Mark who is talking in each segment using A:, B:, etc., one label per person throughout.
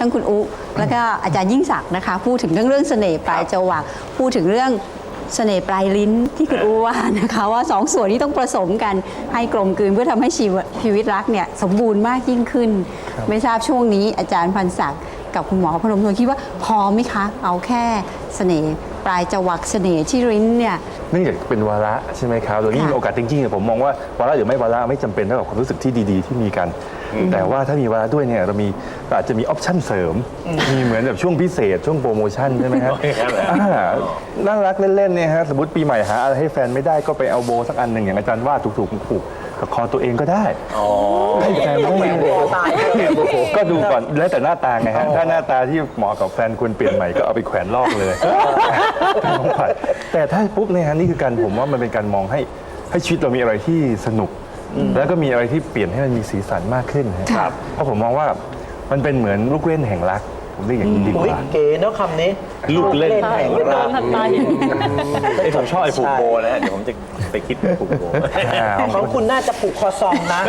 A: ทั้งคุณอุแล้วก็อาจารย์ยิ่งศักดิ์นะคะพูดถึงเรื่องเสน่ห์ปลายจวักพูดถึงเรื่องเสน่ห์ปลายลิ้นที่คุณอูว่านะคะว่าสองส่วนนี้ต้องผสมกันให้กลมกลืนเพื่อทำให้ชีวิตรักเนี่ยสมบูรณ์มากยิ่งขึ้นไม่ทราบช่วงนี้อาจารย์พันศักดิ์กับคุณหมอพนมทวนคิดว่าพอไหมคะเอาแค่เสน่ห์ปลายจวักเสน่ห์ที่ลิ้นเนี่ย
B: เนื่องจากเป็นวาระใช่ไหมครับโดยยิ่งโอกาสจริงๆผมมองว่าวาระหรือไม่วาระไม่จำเป็นเท่ากับความรู้สึกที่ดีๆที่มีกันแต่ว่าถ้ามีวาระด้วยเนี่ยเราอาจจะมีออปชั่นเสริมมีเหมือนแบบช่วงพิเศษช่วงโปรโมชั่นใช่ไหมครับน่ารักเล่นๆเนี่ยฮะสมมติปีใหม่หาอะไรให้แฟนไม่ได้ก็ไปเอาโบสักอันหนึ่งอย่างอาจารย์ว่าถูกๆผูกกับคอตัวเองก็ได้ให้แฟนไม่ก็ดูก่อนแล้วแต่หน้าตาไงฮะถ้าหน้าตาที่เหมาะกับแฟนควรเปลี่ยนใหม่ก็เอาไปแขวนลอกเลยแต่ถ้าปุ๊บเนี่ยฮะนี่คือการผมว่ามันเป็นการมองให้ชีวิตเรามีอะไรที่สนุกแล้วก็มีอะไรที่เปลี่ยนให้มันมีสีสันมากขึ้นครับเพราะผมมองว่ามันเป็นเหมือนลูกเล่นแห่งรักผมเรียกอย่างนี้ดีกว่า
C: เก๋เนาะคำนี้
D: ลูกเล่น
C: แห่งรัก
D: ผมชอบไอ้ผูกโบนะฮะเดี๋ยวผมจะไปคิดผูกโบ
C: ของคุณน่าจะผูกคอซองนะ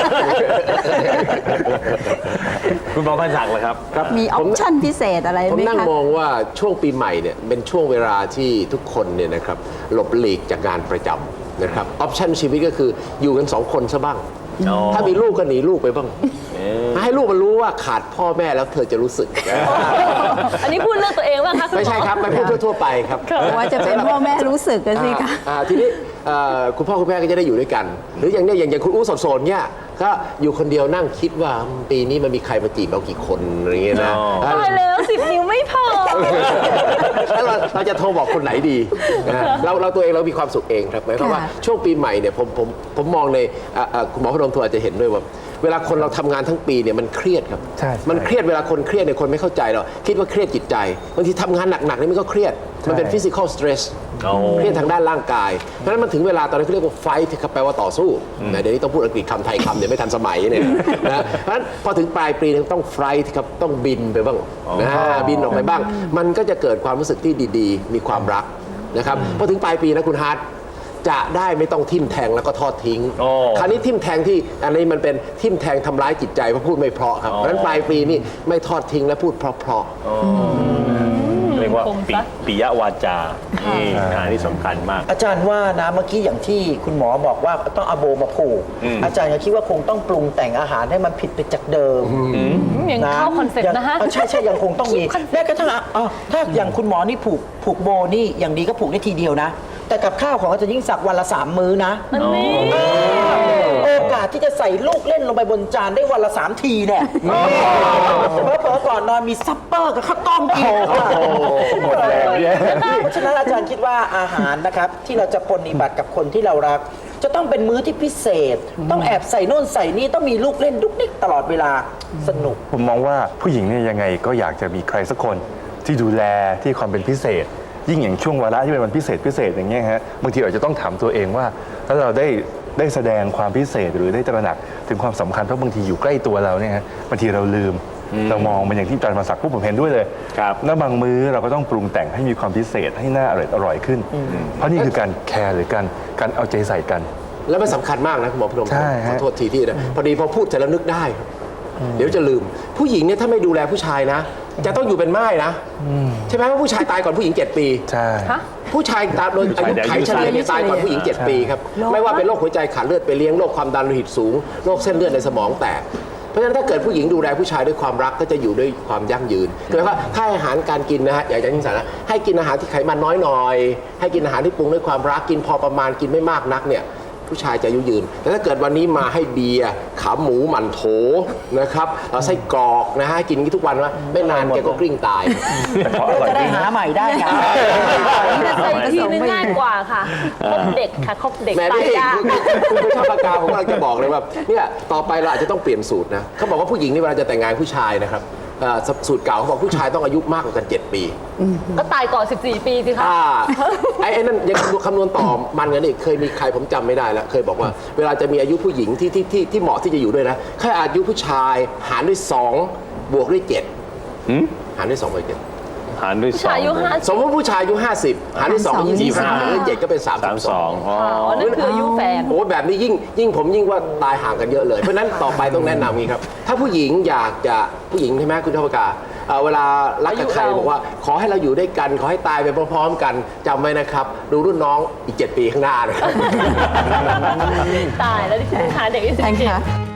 D: คุณหมอพันศักดิ์เหรอครับ
A: มีออปชั่นพิเศษอะไรไหมคะ
E: ผมนั่งมองว่าช่วงปีใหม่เนี่ยเป็นช่วงเวลาที่ทุกคนเนี่ยนะครับหลบหลีกจากงานประจำนะครับออปชั่นชีวิตก็คืออยู่กัน2 คนซะบ้างถ้ามีลูกก็หนีลูกไปบ้างให้ลูกมันรู้ว่าขาดพ่อแม่แล้วเธอจะรู้สึก
F: อันนี้พูดเรื่องตัวเองว่าคะ
E: ไม่ใช่ครับไม่พูดทั่วๆไปครับ
A: ว่าจะเป็นพ่อแม่รู้สึกกันสิคะ
E: ทีนี้คุณพ่อคุณแม่ก็จะได้อยู่ด้วยกันหรืออย่างเนี้ยอย่างคุณอู้สดๆเนี่ยก็อยู่คนเดียวนั่งคิดว่าปีนี้มันมีใครมาจีบเรากี่คนอะไรเงี้ยนะ
F: ตายแล้ว10 นิ้วไม่พอ
E: แล้วเราจะโทรบอกคนไหนดีเราตัวเองเรามีความสุขเองครับหมายความว่าช่วงปีใหม่เนี่ยผมมองในคุณหมอพนมทวนอาจจะเห็นด้วยว่าเวลาคนเราทำงานทั้งปีเนี่ยมันเครียดครับมันเครียดเวลาคนเครียดเนี่ยคนไม่เข้าใจหรอกคิดว่าเครียดจิตใจบางทีทำงานหนักๆนี่มันก็เครียดมันเป็น physical stress เครียดทางด้านร่างกายเพราะฉะนั้นมันถึงเวลาตอนนี้เขาเรียกว่า fight ที่แปลว่าต่อสู้เดี๋ยวนี้ต้องพูดอังกฤษคำไทยคำเดี๋ยวไม่ทันสมัยเนี่ยนะเพราะฉะนั้นพอถึงปลายปีต้อง flight ครับต้องบินไปบ้างบินออกไปบ้างมันก็จะเกิดความรู้สึกที่ดีๆมีความรักนะครับพอถึงปลายปีนะคุณฮาร์ดจะได้ไม่ต้องทิ่มแทงแล้วก็ทอดทิ้งคราวนี้ทิ่มแทงที่อันนี้มันเป็นทิ่มแทงทำร้ายจิตใจเพราะพูดไม่เพราะครับเพราะฉะนั้นปลายปีนี่ไม่ทอดทิ้งและพูดเพราะ
D: เรียกว่าปิยวาจาที่สำคัญมาก
C: อาจารย์ว่านะเมื่อกี้อย่างที่คุณหมอบอกว่าต้องเอาโบมาผูกอาจารย์ก็คิดว่าคงต้องปรุงแต่งอาหารให้มันผิดไปจากเดิม
F: อย่างเข้าคอนเซ็ปต์นะฮะ
C: ใช่ยังคงต้องมีแม้กระทั่งถ้าอย่างคุณหมอนี่ผูกโบนี่อย่างดีก็ผูกได้ทีเดียวนะแต่กับข้าวของอาจารย์ยิ่งศักดิ์วันละ3 มื้อนะโอกาสที่จะใส่ลูกเล่นลงไปบนจานได้วันละ3 ทีเนี่ยเผลอก่อนนอนมีซัปเปอร์กับข้าวต้มกิน
B: หมดแล้ว
C: เพราะฉะนั้นอาจารย์คิดว่าอาหารนะครับที่เราจะปฏิบัติกับคนที่เรารักจะต้องเป็นมื้อที่พิเศษต้องแอบใส่โน่นใส่นี่ต้องมีลูกเล่นดุ๊กดิ๊กตลอดเวลาสนุก
B: ผมมองว่าผู้หญิงเนี่ยยังไงก็อยากจะมีใครสักคนที่ดูแลที่ความเป็นพิเศษยิ่งอย่างช่วงวาระที่เป็นวันพิเศษอย่างเงี้ยฮะบางทีอาจจะต้องถามตัวเองว่าถ้าเราได้แสดงความพิเศษหรือได้ตระหนักถึงความสำคัญเพราะบางทีอยู่ใกล้ตัวเราเนี่ยฮะบางทีเราลืมเรามองมันอย่างที่อาจารย์มาศักดิ์พูดผมเห็นด้วยเลยแล้วบางมื้อเราก็ต้องปรุงแต่งให้มีความพิเศษให้น่าอร่อยขึ้นเพราะนี่คือการแคร์หรือการเอาใจใส่กัน
E: แล้วมันสำคัญมากนะคุณหมอพนมขอโทษทีที่นะพอดีพอพูดเสร็จแล้วนึกได้เดี๋ยวจะลืมผู้หญิงเนี่ยถ้าไม่ดูแลผู้ชายนะจะต้องอยู่เป็นม่ายนะใช่ไหมว่าผู้ชายตายก่อนผู้หญิง7 ปี
B: ใช่
E: ผู้ชายตายโดยอายุไขเฉลี่ยตายก่อนผู้หญิง7 ปีครับไม่ว่าเป็นโรคหัวใจขาดเลือดไปเลี้ยงโรคความดันโลหิตสูงโรคเส้นเลือดในสมองแตกเพราะฉะนั้นถ้าเกิดผู้หญิงดูแลผู้ชายด้วยความรักก็จะอยู่ด้วยความยั่งยืนคือว่าถ้าอาหารการกินนะฮะอยากจะยิ่งสารนะให้กินอาหารที่ไขมันน้อยหน่อยให้กินอาหารที่ปรุงด้วยความรักกินพอประมาณกินไม่มากนักเนี่ยผู้ชายจะอายุยืนแต่ถ้าเกิดวันนี้มาให้เบียร์ขาหมูหมั่นโถนะครับไส้กรอกนะฮะกินทุกวันว่าไม่นานแกก็กลิ้งตาย
C: จะได้หาใหม่ได้ค่ะ
F: ใส่ทีนึงง่ายกว่าค่ะคบเด็กค่ะคบเด็กตายยาก
E: คุณผู้ชมปากกาผมกำลังจะบอกเลยว่าเนี่ยต่อไปเราอาจจะต้องเปลี่ยนสูตรนะเขาบอกว่าผู้หญิงนี่เวลาจะแต่งงานผู้ชายนะครับสูตรเก่าเขาบอกผู้ชายต้องอายุมากกว่ากัน7 ปี
F: ก็ตายก่อน14 ปีสิคะ
E: ไอ้นั่นยังคำนวณต่อมันกันอีกเคยมีใครผมจำไม่ได้แล้วเคยบอกว่าเวลาจะมีอายุผู้หญิงที่เหมาะที่จะอยู่ด้วยนะแค่อายุผู้ชายหารด้วย2บวกด้วย7หารด้วย2บวก7
D: หารด้วย
F: ผู้ชายอายุ
D: 2
F: 50
E: สมมติผู้ชายอายุ50 หารด้วย2เป็น25หารด้วย7ก็เป็น32
D: 32อ๋อ
F: อ๋อนั่นคืออายุแฟน
E: โอ้แบบนี้ยิ่งผมยิ่งว่าตายห่างกันเยอะเลย เพราะฉะนั้นต่อไปต้องแนะนำงี้ครับ ถ้าผู้หญิงอยากจะผู้หญิงใช่ไหมคุณชอบประกาเวลารักกับใคร
F: อายุเรา
E: บอกว่าขอให้เราอยู่ด้วยกัน ขอให้ตายไปพร้อมๆกันจำไว้นะครับ ดูรุ่นน้องอีก 7 ปีข้างหน้านะครับ
F: ตายแล้วที่คุณหาเด็กอายุ
A: ท่าน
F: 17
A: คะ